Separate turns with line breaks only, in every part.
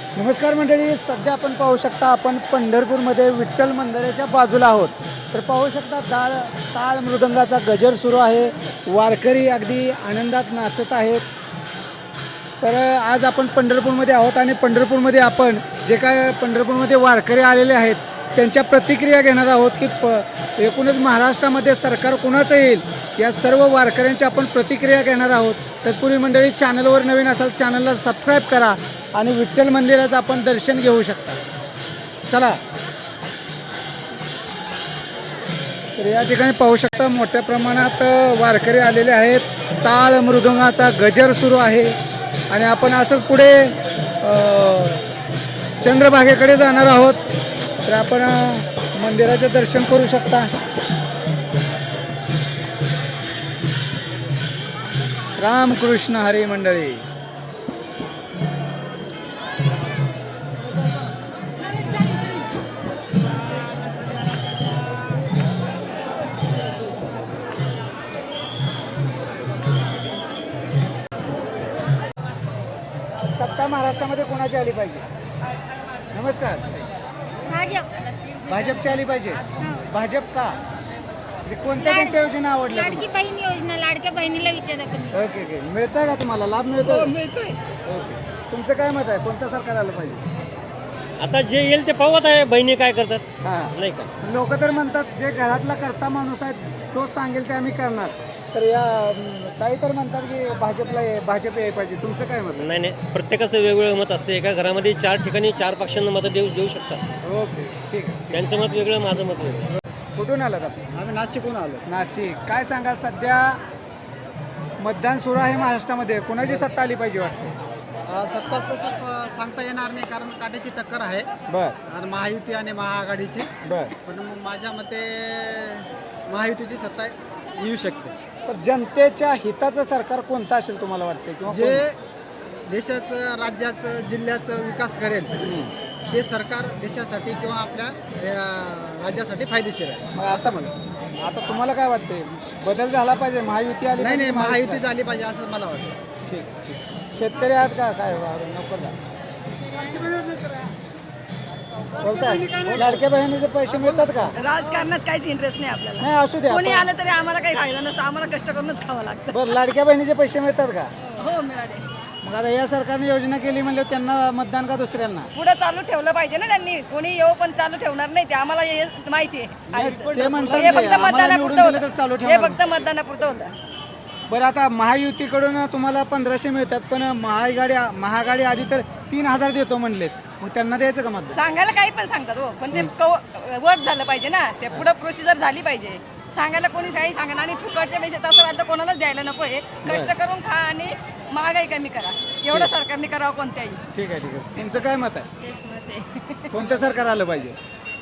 नमस्कार मंडळी, सध्या आपण पाहू शकता आपण पंढरपूरमध्ये विठ्ठल मंदिराच्या बाजूला आहोत. तर पाहू शकता टाळ मृदंगाचा गजर सुरू आहे. वारकरी अगदी आनंदात नाचत आहेत. तर आज आपण पंढरपूरमध्ये आहोत आणि पंढरपूरमध्ये आपण जे काय पंढरपूरमध्ये वारकरी आलेले आहेत त्यांच्या प्रतिक्रिया घेणार आहोत की एकूणच महाराष्ट्रामध्ये सरकार कोणाचं येईल या सर्व वारकऱ्यांच्या आपण प्रतिक्रिया घेणार आहोत. तत्पूर्वी मंडळी, चॅनलवर नवीन असाल चॅनलला सबस्क्राईब करा आणि विठ्ठल मंदिराचं आपण दर्शन घेऊ शकता. चला, तर या ठिकाणी पाहू शकता मोठ्या प्रमाणात वारकरी आलेले आहेत. टाळ मृदंगाचा गजर सुरू आहे आणि आपण असंच पुढे चंद्रभागेकडे जाणार आहोत. तर आपण मंदिराचे दर्शन करू शकता. रामकृष्ण हरी मंडळी. सत्ता महाराष्ट्रामध्ये कोणाची आली पाहिजे? नमस्कार. भाजपची आली पाहिजे. भाजप का? कोणत्या त्यांच्या योजना आवडल्या?
लाडकी बहीण योजना, लाडक्या बहिणीला विचारा तुम्ही.
ओके ओके, मिळतंय का तुम्हाला लाभ? मिळतो?
मिळतोय.
ओके, तुमचं काय मत आहे? कोणतं सरकार आलं पाहिजे?
आता जे येईल ते पाहत आहे, बहिणी काय करतात
हां,
नाही का.
लोक तर म्हणतात जे घरातला करता माणूस आहे तोच सांगेल ते आम्ही करणार. तर या काही तर म्हणतात की भाजप यायला पाहिजे. तुमचं काय मत?
नाही नाही, प्रत्येकाचं वेगवेगळं मत असते. एका घरामध्ये 4 ठिकाणी 4 पक्षांना मतं देऊ शकतात.
ओके, ठीक आहे.
त्यांचं मत वेगळं, माझं मत वेगळं.
कुठून आलात आपण?
आम्ही नाशिकहून आलो.
नाशिक. काय सांगाल, सध्या मतदान सुरू आहे महाराष्ट्रामध्ये, कोणाची सत्ता आली पाहिजे वाटते?
सत्ता तसं सांगता येणार नाही, कारण काट्याची टक्कर आहे
बर
आणि महायुती आणि महाआघाडीची.
बर.
पण मग माझ्या मते महायुतीची सत्ता येऊ शकते.
पण जनतेच्या हिताचं सरकार कोणतं असेल तुम्हाला वाटते? किंवा
जे देशाचं, राज्याचं, जिल्ह्याचं विकास करेल ते सरकार देशासाठी किंवा आपल्या राज्यासाठी फायदेशीर आहे
मग
असं मला.
आता तुम्हाला काय वाटते? बदल झाला पाहिजे, महायुती आली
नाही नाही,
पाहिजे,
महायुती झाली पाहिजे असं मला वाटतं.
ठीक ठीक. शेतकरी आहात का? काय नको जा. बोलताय लाडक्या बहिणीचे पैसे मिळतात का?
राजकारणात काहीच इंटरेस्ट नाही आपल्याला.
नाही, असू द्या.
कोणी आलं तरी आम्हाला काही फायदा नसतो, आम्हाला कष्ट करूनच खावं लागतं.
बरं, लाडक्या बहिणीचे पैसे मिळतात का?
हो, मिळाले.
मग आता या सरकारने योजना केली म्हणजे त्यांना मतदान का दुसऱ्यांना?
पुढे चालू ठेवलं पाहिजे ना त्यांनी. कोणी येऊ पण चालू ठेवणार नाही, ते आम्हाला हे माहिती आहे.
ते म्हणतात
हे
की
फक्त
आम्हाला निवडून
मतदानापुरतं
दिलं तर चालू
होतं. हे
ठेवणार.
फक्त मतदानापुरतं होतं.
बरं, आता महायुतीकडून तुम्हाला 1500 मिळतात, पण महाआघाडी आधी तर 3000 देतो म्हणलेत. मग त्यांना द्यायचं का मतदान?
सांगायला काही पण सांगतात हो, पण ते वर्क झालं पाहिजे ना. ते पुढे प्रोसिजर झाली पाहिजे. सांगायला कोणी काही सांगा आणि फुकटच्या पैसे तसं वाटतं कोणालाच द्यायला नको. हे कष्ट करून खा आणि महागाई कमी करा, एवढं सरकारने करावं कोणत्याही.
ठीक आहे ठीक आहे. तुमचं काय मत आहे? कोणतं सरकार आलं पाहिजे?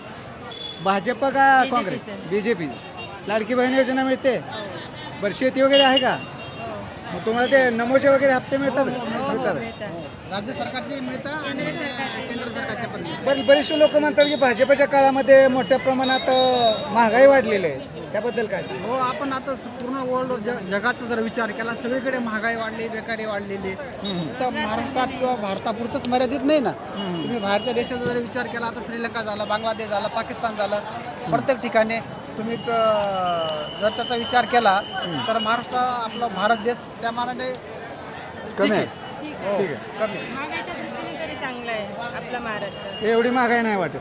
भाजप का काँग्रेस? बीजेपी. लाडकी बहीण योजना मिळते? बरं, शेती वगैरे आहे का? मग तुम्हाला ते नमोचे वगैरे हप्ते मिळतात?
राज्य सरकारचे मिळतं आणि केंद्र सरकारचे पण मिळतं.
पण बरेचसे लोक म्हणतात की भाजपच्या काळामध्ये मोठ्या प्रमाणात महागाई वाढलेली आहे, त्याबद्दल काय सांग?
हो, आपण आता पूर्ण वर्ल्ड जगाचा जर विचार केला, सगळीकडे महागाई वाढली, बेकारी वाढलेली. फक्त महाराष्ट्रात किंवा भारतापुरतंच मर्यादित नाही ना. तुम्ही बाहेरच्या देशाचा जर विचार केला, आता श्रीलंका झाला, बांगलादेश झाला, पाकिस्तान झालं, प्रत्येक ठिकाणी तुम्ही जर त्याचा विचार केला तर महाराष्ट्र, आपला भारत देश त्या मानाने
कमी आहे.
हो,
ठीक आहे.
कमी.
महागाईच्या दृष्टीने तरी चांगलं आहे आपलं महाराष्ट्र.
एवढी महागाई नाही वाटत.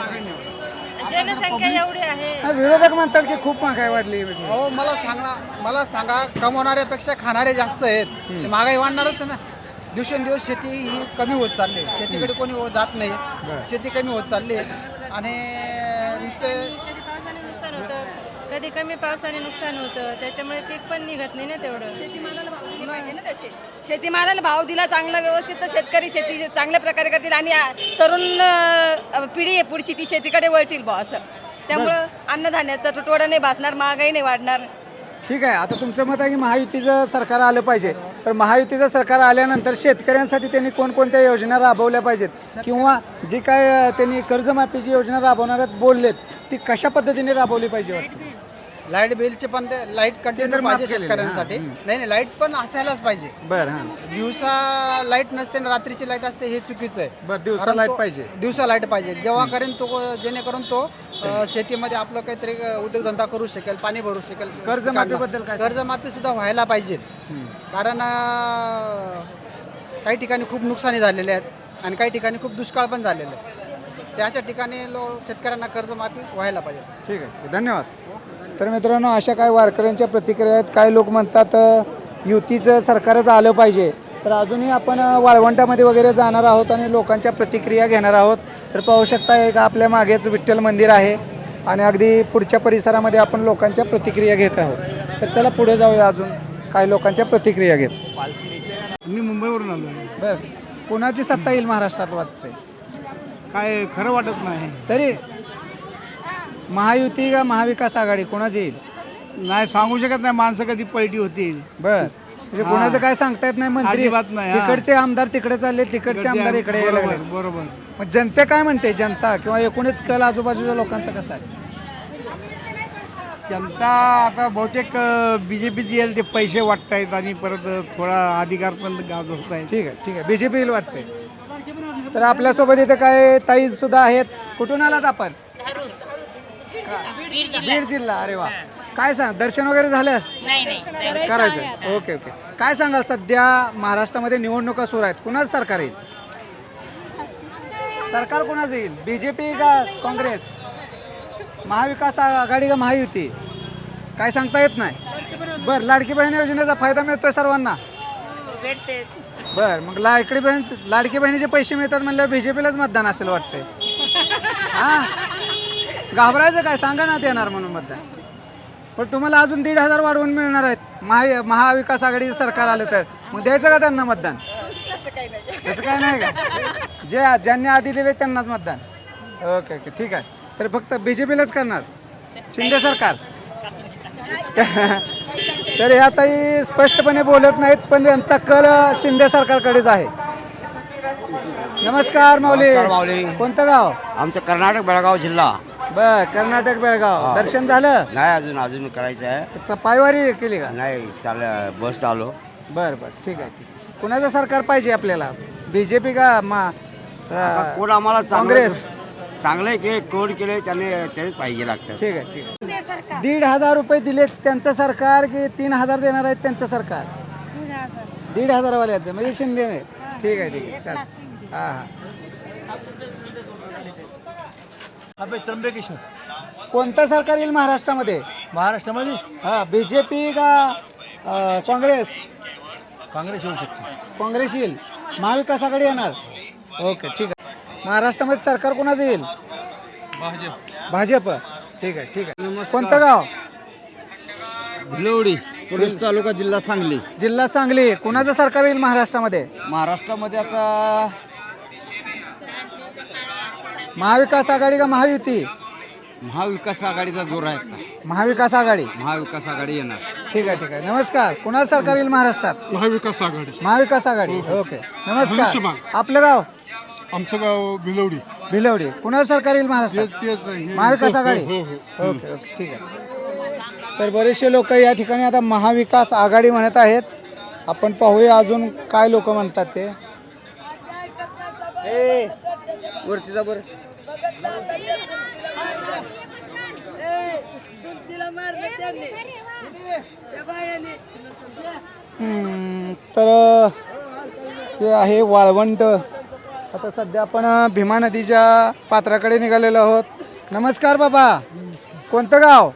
जनसंख्या एवडी आहे.
हा, विरोधक म्हणतात की खूप महागाई वाढली.
हो, मला सांगा, कमवणाऱ्यापेक्षा खाणारे जास्त आहेत. ते महागाई वाढणारच ना. दिवसेंदिवस शेती ही कमी होत चालली आहे. शेतीकडे कोणी जात नाही, शेती कमी होत चालली आहे. आणि नुसते
कधी पावसाने नुकसान होतं, कधी कमी पावसाने नुकसान होतं, त्याच्यामुळे पीक पण निघत नाही ना तेवढं.
शेतीमालाला भाव दिले पाहिजे ना तसे. शेतीमालाला भाव दिला चांगला व्यवस्थित तर शेतकरी शेती चांगल्या प्रकारे करतील आणि तरुण पिढी आहे पुढची, ती शेतीकडे वळतील भाव असं. त्यामुळं अन्नधान्याचा तुटवडा नाही भासणार, महागाई नाही वाढणार.
ठीक आहे. आता तुमचं मत आहे की महायुतीचं सरकार आलं पाहिजे. तर महायुतीचं सरकार आल्यानंतर शेतकऱ्यांसाठी त्यांनी कोणकोणत्या योजना राबवल्या पाहिजेत किंवा जी काय त्यांनी कर्जमाफीची योजना राबवणार बोललेत ती कशा पद्धतीने राबवली पाहिजे वाटतं?
लाईट बिलचे पण ते लाईट
तर
कंटिन्यू
माफ
पाहिजे
केलेले,
शेतकऱ्यांसाठी.
हां,
नाही लाईट पण असायलाच पाहिजे.
बरं हां
दिवसा लाईट नसते आणि रात्रीची लाईट असते हे चुकीचं आहे.
बरं दिवसा
कारण
लाईट
तो-
पाहिजे.
दिवसा लाईट पाहिजे जेव्हा करेन तो जेणेकरून तो शेतीमध्ये आपलं काहीतरी उद्योगधंदा करू शकेल, पाणी भरू शकेल.
कर्जमाफीबद्दल काय सांगाल?
कर्जमाफी सुद्धा व्हायला पाहिजे.
हं.
कारण काही ठिकाणी खूप नुकसानी झालेले आहेत आणि काही ठिकाणी खूप दुष्काळ पण झालेले आहेत. त्या अशा ठिकाणी शेतकऱ्यांना कर्जमाफी व्हायला पाहिजे.
ठीक आहे धन्यवाद. तर मित्रांनो अशा काही वारकऱ्यांच्या प्रतिक्रिया आहेत. काही लोक म्हणतात युतीचं सरकारच आलं पाहिजे. तर अजूनही आपण वाळवंटामध्ये वगैरे जाणार आहोत आणि लोकांच्या प्रतिक्रिया घेणार आहोत. तर पाहू शकता एक आपल्या मागेच विठ्ठल मंदिर आहे आणि अगदी पुढच्या परिसरामध्ये आपण लोकांच्या प्रतिक्रिया घेत आहोत. तर चला पुढे जाऊया अजून काही लोकांच्या प्रतिक्रिया घेत.
मी मुंबईवरून आलो आहे.
बरं कोणाची सत्ता येईल महाराष्ट्रात वाटते?
काय खरं वाटत नाही.
तरी महायुती का महाविकास आघाडी कोणाची येईल?
नाही सांगू शकत नाही, माणसं कधी पलटी होतील.
बर म्हणजे कोणाचं काय सांगता येत नाही. मंत्री
अजिबात नाही, हा.
तिकडचे आमदार तिकडे चालले, तिकडचे आमदार इकडे यायला
बरोबर
लागले.
बरोबर.
मग जनते काय म्हणते? जनता किंवा एकूणच कल आजूबाजूच्या लोकांचा कसा आहे?
जनता आता बहुतेक बीजेपीची येईल, ते पैसे वाटतायत आणि परत थोडा अधिकार पण गाजवत आहेत.
ठीक आहे बीजेपी येईल वाटते. तर आपल्यासोबत इथे काय ताई सुद्धा आहेत. कुठून आलात आपण? बीड जिल्हा. अरे वा. काय सांग दर्शन वगैरे झालं? करायचं. ओके काय सांगाल सध्या महाराष्ट्रामध्ये निवडणुका सुरू आहेत, कुणाचं सरकार येईल? सरकार कोणाचं येईल? बीजेपी का काँग्रेस? महाविकास आघाडी का महायुती? काय सांगता येत नाही. बरं लाडकी बहीण योजनेचा फायदा मिळतोय सर्वांना? बर मग लाडकी बहिणीचे पैसे मिळतात म्हणल्यावर बीजेपीलाच मतदान असेल वाटतंय. हा घाबरायचं काय? सांगा ना देणार म्हणून मतदान. पण तुम्हाला अजून 1,500 वाढवून मिळणार आहेत महाविकास आघाडीचं सरकार आलं तर. मग द्यायचं का त्यांना मतदान? तसं काय नाही का? ज्यांनी आधी दिले त्यांनाच मतदान. ओके ठीक आहे. तर फक्त बीजेपीलाच करणार शिंदे सरकार? तर ह्या ताई स्पष्टपणे बोलत नाहीत पण यांचा कल शिंदे सरकारकडेच आहे. नमस्कार माऊली. कोणतं गाव?
आमचं कर्नाटक बेळगाव जिल्हा.
बर कर्नाटक बेळगाव. दर्शन झालं?
नाही अजून करायचं आहे.
पायवारी केली का?
नाही बस आलो.
बर ठीक आहे. कुणाचं सरकार पाहिजे आपल्याला? बीजेपी का
कोण आम्हाला
काँग्रेस?
चांगले के कोण केले त्याने तेच पाहिजे लागतं.
ठीक आहे 1,500 रुपये दिले त्यांचं सरकार की 3,000 देणार आहेत त्यांचं सरकार? 1,500 वाल्याचं म्हणजे शिंदे नाही. ठीक आहे चालेल. हां
त्र्यंबकेश्वर.
कोणतं सरकार येईल महाराष्ट्रामध्ये? हां बीजेपी का काँग्रेस?
काँग्रेस येऊ शकतो.
काँग्रेस येईल. महाविकास आघाडी येणार? ओके ठीक आहे. महाराष्ट्रामध्ये सरकार कोणाचं येईल? भाजप. ठीक आहे. कोणतं गाव?
भिलवडी पुरुष तालुका जिल्हा सांगली.
जिल्हा सांगली. कोणाचं सरकार येईल महाराष्ट्रामध्ये?
महाराष्ट्रामध्ये आता
महाविकास आघाडी का महायुती?
महाविकास आघाडीचा जोर आहे आता.
महाविकास आघाडी.
महाविकास आघाडी येणार.
ठीक आहे. नमस्कार. कोणाचं सरकार येईल महाराष्ट्रात?
महाविकास आघाडी.
महाविकास आघाडी. ओके नमस्कार.
धनुष्यबाण.
आपलं गाव?
आमचं गाव भिलवडी.
भिलवडी. कुणाचं सरकार येईल महाराष्ट्रात? महाविकास आघाडी. ओके ठीक आहे. तर बरेचसे लोक या ठिकाणी आता महाविकास आघाडी म्हणत आहेत. आपण पाहूया अजून काय लोक म्हणतात ते.
वरती जा बरं.
तर हे आहे वाळवंट. आता सध्या आपण भीमा नदीच्या पात्राकडे निघालेलो आहोत. नमस्कार बाबा. कोणतं गाव?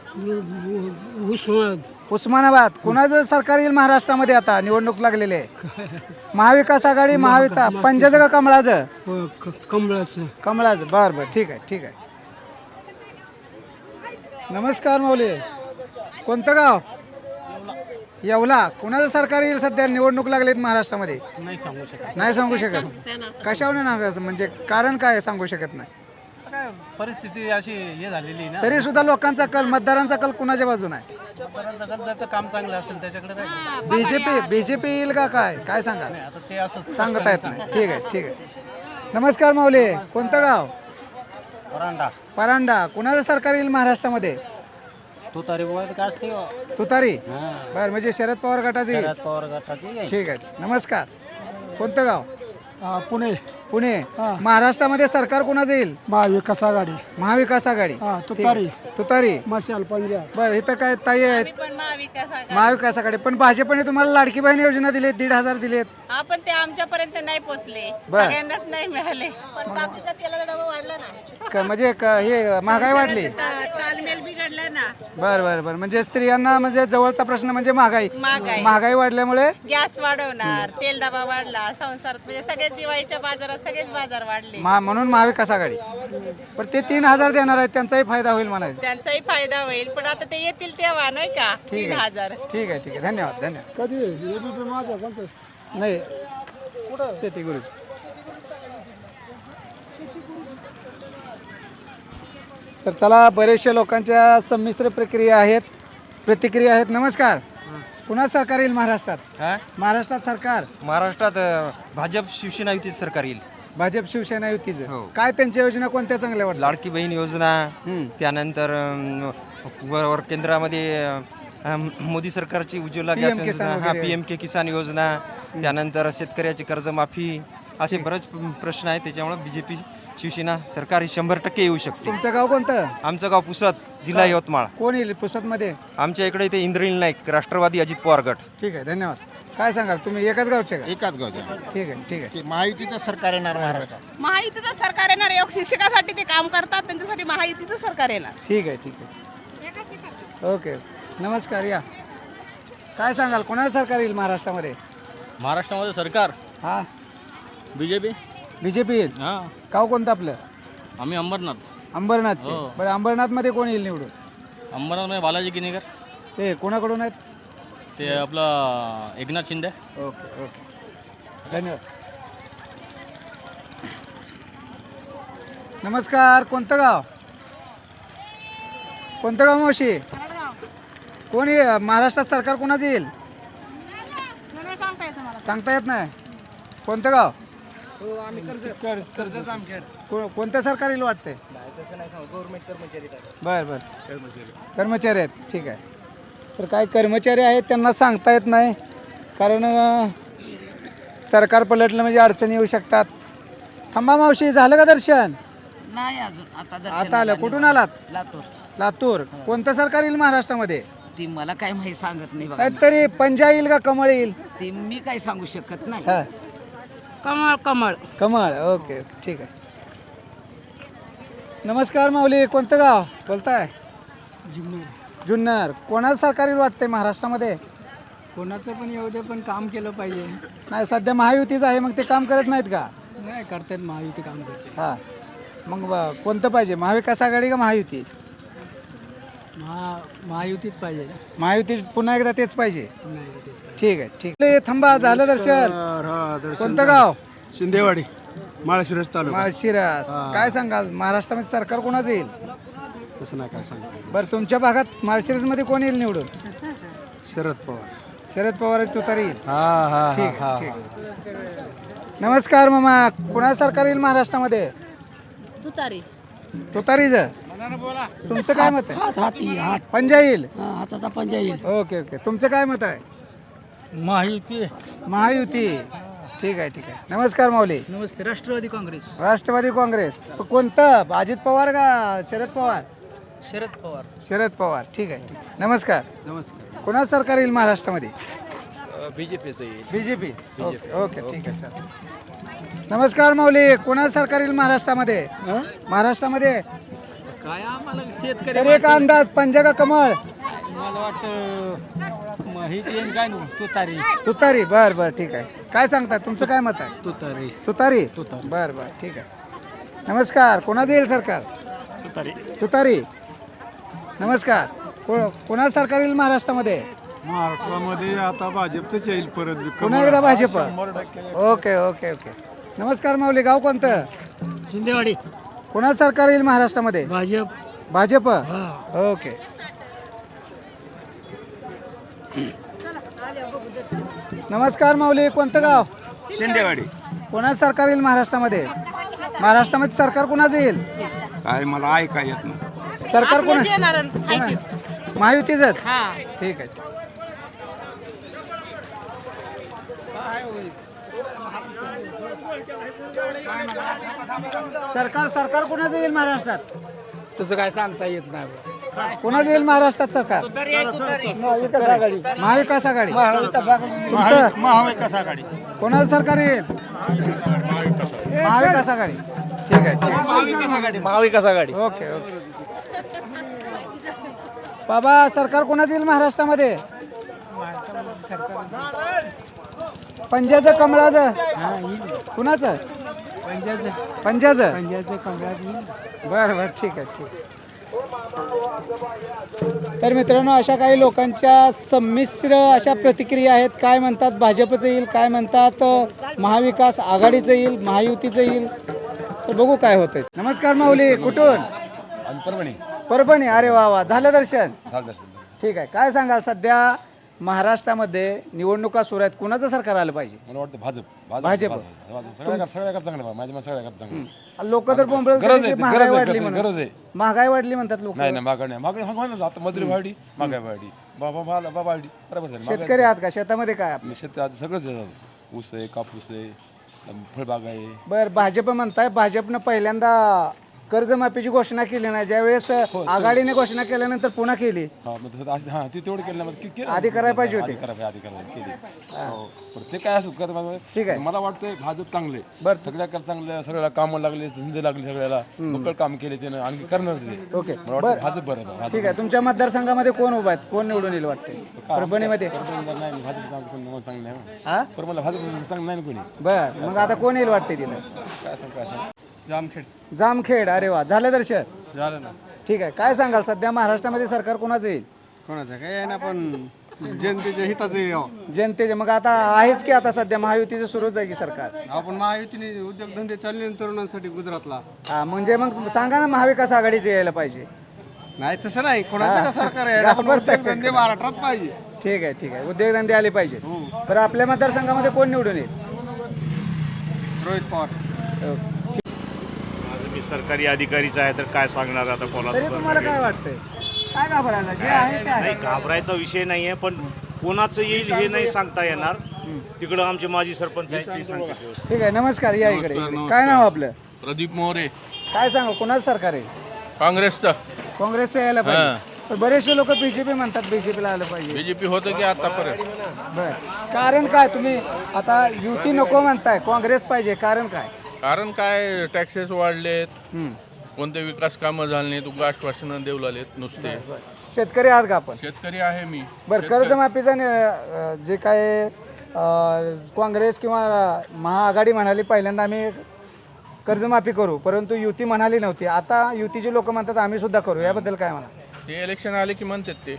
उस्मानाबाद. कुणाचं सरकार येईल महाराष्ट्रामध्ये? आता निवडणूक लागलेली आहे. महाविकास आघाडी महाविकास पंजाचं का कमळाचं? कमळाचं. बरं ठीक आहे. नमस्कार माऊली. कोणतं गाव? येवला. कुणाचं सरकार येईल सध्या? निवडणूक लागलीत महाराष्ट्रामध्ये. नाही सांगू शकत. कशावर नाही म्हणजे कारण काय सांगू शकत नाही?
परिस्थिती अशी हे झालेली ना.
तरी सुद्धा लोकांचा कल मतदारांचा कल कुणाच्या बाजूने आहे?
ज्याचं काम चांगलं असेल त्याच्याकडे
बीजेपी येईल का काय सांगा?
आता ते असं
सांगता येत नाही. ठीक आहे. नमस्कार माऊली. कोणतं गाव? परांडा. कुणाचं सरकार येईल महाराष्ट्रामध्ये?
तुतारी काय असते
तुतारी बर, म्हणजे शरद पवार गटाचे येईल.
पवार गटाची
ठीक आहे. नमस्कार. कोणतं गाव?
पुणे
पुणे. महाराष्ट्रामध्ये सरकार कोणाचं येईल?
महाविकास आघाडी
महाविकास आघाडी.
तुतारी.
तुतारी.
मशाल पंजाब.
बरं, इथं काय ताई आहेत? महाविकास आघाडी. पण भाजपने तुम्हाला लाडकी बहीण योजना दिली, 1,500 दिलेत.
आपण ते आमच्यापर्यंत नाही पोचले
बर.
सगळ्यांनाच नाही मिळाले पण बाकीचा तेलाचा डबा वाढला ना
म्हणजे हे महागाई वाढली.
तालमेल बिघडला ना
बर बर बर, म्हणजे स्त्रियांना म्हणजे जवळचा प्रश्न म्हणजे महागाई. महागाई वाढल्यामुळे
गॅस वाढवणार तेल डबा वाढला संसारात म्हणजे सगळेच दिवाळीच्या बाजारात सगळेच बाजार वाढले
म्हणून महाविकास आघाडी. पण ते 3,000 देणार आहेत, त्यांचाही फायदा होईल म्हणायचं.
त्यांचाही फायदा होईल पण आता ते येतील तेव्हा नाही का
ठीक आहे.
3,000
ठीक आहे. ठीक आहे. धन्यवाद. धन्यवाद. नाही शेती गुरु. तर चला, बरेचशा लोकांच्या संमिश्र प्रतिक्रिया आहेत. नमस्कार. पुन्हा सरकार येईल महाराष्ट्रात? महाराष्ट्रात सरकार?
महाराष्ट्रात भाजप शिवसेना युतीचं सरकार येईल.
भाजप शिवसेना युतीचं.
हो.
काय त्यांच्या योजना कोणत्या चांगल्या वाटतात?
लाडकी बहीण योजना, त्यानंतर वर केंद्रामध्ये मोदी सरकारची उज्ज्वला गॅस
PM किसान
योजना,
वगैरे.
PM किसान योजना, त्यानंतर शेतकऱ्याची कर्जमाफी, असे बरेच प्रश्न आहेत. त्याच्यामुळे BJP शिवसेना सरकार ही 100% येऊ शकते.
तुमचं गाव कोणतं?
आमचं गाव पुसद, जिल्हा यवतमाळ.
कोण येईल पुसदमध्ये?
आमच्या इकडे इथे इंद्रनील नाईक, राष्ट्रवादी अजित पवार गट.
ठीक आहे. धन्यवाद. काय सांगाल, तुम्ही एकाच गावचे का?
एकाच गावच्या.
ठीक आहे. ठीक आहे.
महायुतीचं सरकार येणार महाराष्ट्रात.
महायुतीचं सरकार येणार योग शिक्षकासाठी ते काम करतात त्यांच्यासाठी महायुतीचं सरकार येणार
ठीक आहे. ठीक आहे. ओके. नमस्कार. या. काय सांगाल, कोणाचं सरकार येईल महाराष्ट्रामध्ये?
महाराष्ट्रामध्ये सरकार
हा,
बीजेपी.
बीजेपी येईल.
हां,
गाव कोणतं आपलं?
आम्ही अंबरनाथ.
अंबरनाथचे. बरं, अंबरनाथमध्ये कोण येईल निवडून?
अंबरनाथमध्ये बालाजी किनीकर,
ते कोणाकडून आहेत?
ते आपलं एकनाथ शिंदे.
ओके. ओके. धन्यवाद. नमस्कार. कोणतं गाव? कोणतं गाव मावशी? कोण महाराष्ट्रात सरकार कोणाचं येईल? सांगता येत नाही. कोणतं गाव? कोणतं सरकार येईल वाटते? बर बर, कर्मचारी आहेत. ठीक आहे. तर काय कर्मचारी आहेत त्यांना सांगता येत नाही, कारण सरकार पलटलं म्हणजे अडचणी येऊ शकतात. थांबा मावशी, झालं का दर्शन?
नाही अजून
आता आलं. कुठून आलात?
लातूर
लातूर. कोणतं सरकार येईल महाराष्ट्रामध्ये?
ती मला काय माहिती सांगत नाही
काहीतरी पंजा येईल का कमळ येईल?
ती मी काय सांगू शकत नाही.
हा,
कमळ कमळ
कमळ. ओके. ठीक आहे. नमस्कार माऊली. कोणतं गाव बोलताय? जुन्नर. कोणाचं सरकार येईल वाटतंय महाराष्ट्रामध्ये?
कोणाचं पण येऊ दे, पण काम केलं पाहिजे.
नाही, सध्या महायुतीच आहे, मग ते काम करत नाहीत का?
नाही करतात, महायुती काम करते.
हा, मग कोणतं पाहिजे, महाविकास आघाडी का महायुती?
महायुतीच पाहिजे.
महायुती पुन्हा एकदा तेच पाहिजे. ठीक आहे. ठीक आहे. थांबा, झालं दर्शन? कोणतं गाव?
शिंदेवाडी, माळशिरस तालुका.
माळशिरस. काय सांगाल, महाराष्ट्रामध्ये सरकार कोणाचं येईल?
तसं नाही काय सांगतो.
बरं, तुमच्या भागात माळशिरसमध्ये कोण येईल निवडून?
शरद पवार.
शरद पवारच तुतारी येईल.
हा
ठीक आहे. ठीक आहे. नमस्कार मामा. कोणा सरकार येईल महाराष्ट्रामध्ये?
तुतारी
तुतारीचं. तुमचं काय मत आहे? पंजा येईल.
हाताचा पंजा येईल.
ओके. ओके. तुमचं काय मत आहे?
महायुती.
महायुती. ठीक आहे. ठीक आहे. नमस्कार माऊली.
नमस्ते. राष्ट्रवादी काँग्रेस.
राष्ट्रवादी काँग्रेस. कोणतं, अजित पवार का शरद पवार?
शरद पवार.
शरद पवार. ठीक आहे. नमस्कार.
नमस्कार.
कोणा सरकार येईल महाराष्ट्रामध्ये?
बीजेपीचं येईल.
बीजेपी. ओके. ठीक आहे. चालेल. नमस्कार माऊली. कोणा सरकार येईल महाराष्ट्रामध्ये? महाराष्ट्रामध्ये
काय आम्हाला शेतकरी
तरी एक अंदाज, पंजा का कमळ?
मला वाटतं माहिती काय तुतारी.
तुतारी. बर बर. ठीक आहे. काय सांगताय, तुमचं काय मत आहे?
तुतारी.
तुतारी. बर बर. ठीक आहे. नमस्कार. कोणाचं येईल सरकार? तुतारी. नमस्कार. कोणा सरकार येईल महाराष्ट्रामध्ये?
महाराष्ट्रामध्ये आता भाजपच येईल परत.
पुन्हा एकदा भाजप. ओके. ओके. ओके. नमस्कार माऊली. गाव कोणतं?
शिंदेवाडी.
कोणा सरकार येईल महाराष्ट्रामध्ये?
भाजप.
भाजप. ओके. नमस्कार माऊली. कोणतं गाव?
शिंदेवाडी.
कोणा सरकार येईल महाराष्ट्रामध्ये? महाराष्ट्रामध्ये सरकार कोणाचं येईल?
काय मला ऐका येत नाही.
सरकार कोण? महायुतीचंच ठीक आहे. सरकार कोणाचं येईल महाराष्ट्रात?
तसं काय सांगता येत नाही.
कोणाचं येईल महाराष्ट्रात सरकार? महाविकास आघाडी. महाविकास आघाडी. तुमचं
महाविकास आघाडी.
कोणाचं सरकार येईल? महाविकास आघाडी. ठीक आहे ठीक आहे.
महाविकास आघाडी.
Okay okay. बाबा सरकार कोणाचं येईल महाराष्ट्रामध्ये? पंजाचं कमळाचं कुणाचं? पंजाचं बरं बरं ठीक आहे ठीक आहे. तर मित्रांनो अशा काही लोकांच्या संमिश्र अशा प्रतिक्रिया आहेत. काय म्हणतात भाजपचं येईल, काय म्हणतात महाविकास आघाडीचं येईल, महायुतीचं येईल. तर बघू काय होतंय. नमस्कार माऊली, कुठून? परभणी. अरे वा वा, झालं दर्शन? ठीक आहे. काय सांगाल सध्या महाराष्ट्रामध्ये निवडणुका सुरू आहेत, कुणाचं सरकार आलं पाहिजे?
मला वाटतं भाजप.
भाजप.
चांगलं माझ्या सगळ्या चांगलं.
लोक तर बोंबलत
गरज
की
आहे,
महागाई
गरज आहे,
वाढली
गरज
म्हणून.
आहे.
महागाई वाढली म्हणतात लोक.
नाही मागणी आता मजुरी वाढली, महागाई वाढली, बाबा वाढली. बरोबर झालं.
शेतकरी आहात का? शेतामध्ये काय आपलं?
शेतात सगळंच आहे. ऊस आहे, कापूस आहे, फळबाग आहे.
बरं, भाजप म्हणताय भाजपनं पहिल्यांदा कर्जमाफीची घोषणा केली नाही, ज्यावेळेस आघाडीने घोषणा केल्यानंतर पुन्हा केली.
ती तेवढं केलं
आधी करायला पाहिजे होती.
आधी केली. ते काय असं
ठीक आहे.
मला वाटतंय भाजप चांगले.
बरं.
सगळ्याकडे चांगलं, सगळ्याला कामं लागले, धंदे लागले, सगळ्याला बक्कळ काम केले त्यानं, आणखी करणारच ते.
ओके
मला वाटतं भाजप बरं आहे.
ठीक आहे. तुमच्या मतदारसंघामध्ये कोण उभा आहेत, कोण निवडून येईल वाटते परभणीमध्ये?
नाही भाजप चांगलं नाही.
हा
पण मला भाजप चांगलं नाही कोणी.
बर, मग आता कोण येईल वाटते तिला?
काय सांग
जामखेड. अरे वा, झालं दर्शन?
झालं ना.
ठीक आहे. काय सांगाल सध्या महाराष्ट्रामध्ये सरकार कोणाचं येईल?
कोणाचं काय आहे ना, पण जनतेच्या हिताचं
जनतेचे. मग आता आहेच की आता सध्या महायुतीचं सुरूच आहे की सरकार?
आपण महायुतीने उद्योगधंदे चालले तरुणांसाठी गुजरातला.
हा, म्हणजे मग सांगा ना महाविकास आघाडीचं यायला पाहिजे.
नाही तसं नाही, कोणाचं का सरकार आहे ना, पण उद्योगधंदे महाराष्ट्रात पाहिजे.
ठीक आहे ठीक आहे. उद्योगधंदे आले पाहिजे. बरं, आपल्या मतदारसंघामध्ये कोण निवडून येईल?
रोहित पवार.
मी सरकारी अधिकारीच आहे तर काय सांगणार आता कोणाला.
तरी तुम्हाला काय वाटतंय? काय घाबरायला? जे आहे ते आहे.
नाही, घाबरायचा विषय नाही आहे, पण कोणाचं येईल हे नाही सांगता येणार. तिकडं आमचे माजी सरपंच आहेत ते सांगतात.
ठीक आहे. नमस्कार, या इकडे. काय नाव आपलं?
प्रदीप मोरे.
काय सांगा, कोणाचं सरकार आहे?
काँग्रेसचं.
काँग्रेसचं यायला पाहिजे. पण बरेचसे लोक बीजेपी म्हणतात, बीजेपीला आलं पाहिजे.
बीजेपी होतं की आतापर्यंत?
बर, कारण काय? तुम्ही आता युती नको म्हणताय, काँग्रेस पाहिजे, कारण काय?
कारण काय, टॅक्सेस वाढलेत,
हम्म.
कोणते विकास कामं झाले नाहीत, उगा आश्वासनं देऊ लागलेत नुसते.
शेतकरी आहात का आपण?
शेतकरी आहे मी.
बरं, कर्जमाफीचा जे काय काँग्रेस किंवा महाआघाडी म्हणाली पहिल्यांदा आम्ही कर्जमाफी करू, परंतु युती म्हणाली नव्हती. आता युतीचे लोक म्हणतात आम्ही सुद्धा करू, याबद्दल काय म्हणा?
ते इलेक्शन आले की म्हणतात ते.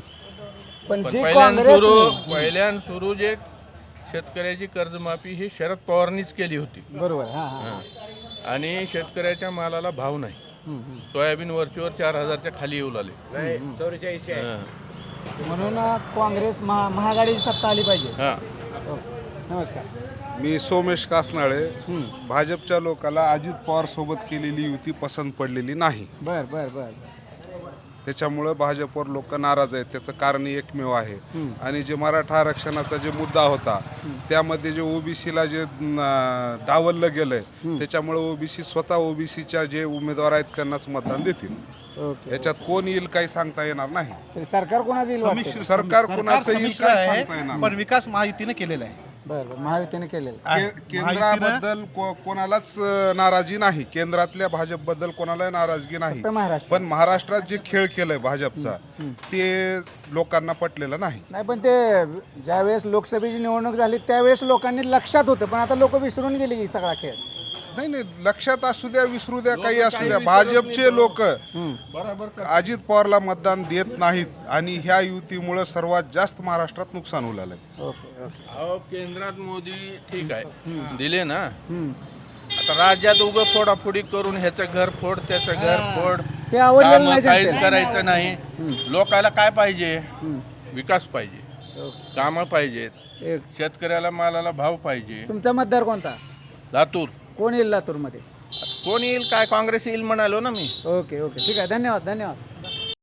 पण जी
पहिल्यांदा
काँग्रेस
सुरू जे शेतकऱ्याची कर्जमाफी ही शरद पवारांनीच केली होती.
बरोबर. हां हां.
आणि शेतकऱ्याच्या मालाला भाव नाही. सोयाबीन वरचीवर 4,000च्या खाली येऊ लागले.
म्हणून काँग्रेस महाआघाडीची सत्ता आली पाहिजे.
हां.
नमस्कार,
मी सोमेश कासनाळे. भाजपच्या लोकांना अजित पवार सोबत केलेली युती पसंत पडलेली नाही.
बर बर बर.
त्याच्यामुळं भाजपवर लोक नाराज आहेत. त्याचं कारण एकमेव आहे. आणि जे मराठा आरक्षणाचा जे मुद्दा होता त्यामध्ये जे ओबीसीला जे डावललं गेलंय, त्याच्यामुळे ओबीसी स्वतः ओबीसीच्या जे उमेदवार आहेत त्यांनाच मतदान देतील. याच्यात कोण येईल काही सांगता येणार नाही.
सरकार कोणाचं येईल वाटतं?
सरकार कोणाचं येईल काय सांगता येणार नाही.
पण विकास महायुतीने केलेला आहे.
बरं, महायुतीने केलेलं.
केंद्राबद्दल कोणालाच नाराजी नाही. केंद्रातल्या भाजपबद्दल कोणालाही नाराजगी नाही.
महाराष्ट्र
पण महाराष्ट्रात जे खेळ केलाय भाजपचा ते लोकांना पटलेलं नाही.
नाही, पण ते ज्यावेळेस लोकसभेची निवडणूक झाली त्यावेळेस लोकांनी लक्षात होतं, पण आता लोक विसरून गेले की सगळा खेळ.
नाही, लक्षात असू द्या, विसरू द्या, काही असू द्या, भाजपचे लोक अजित पवारला मतदान देत नाहीत. आणि ह्या युतीमुळे सर्वात जास्त महाराष्ट्रात नुकसान होऊ लागलंय.
अहो, केंद्रात मोदी ठीक आहे दिले ना. आता राज्यात उगं फोडाफोडी करून ह्याचं घर फोड त्याचं घर फोड,
ते आवडलेलं नाही
काहीच
जनतेला.
करायचं नाही. लोकांना काय पाहिजे? विकास पाहिजे, कामं पाहिजेत,
एक
शेतकऱ्याला मालाला भाव पाहिजे.
तुमचा मतदार कोणता?
लातूर.
कोण येईल लातूरमध्ये?
कोण येईल काय, काँग्रेस येईल म्हणालो ना मी.
ओके ओके, ठीक आहे. धन्यवाद धन्यवाद.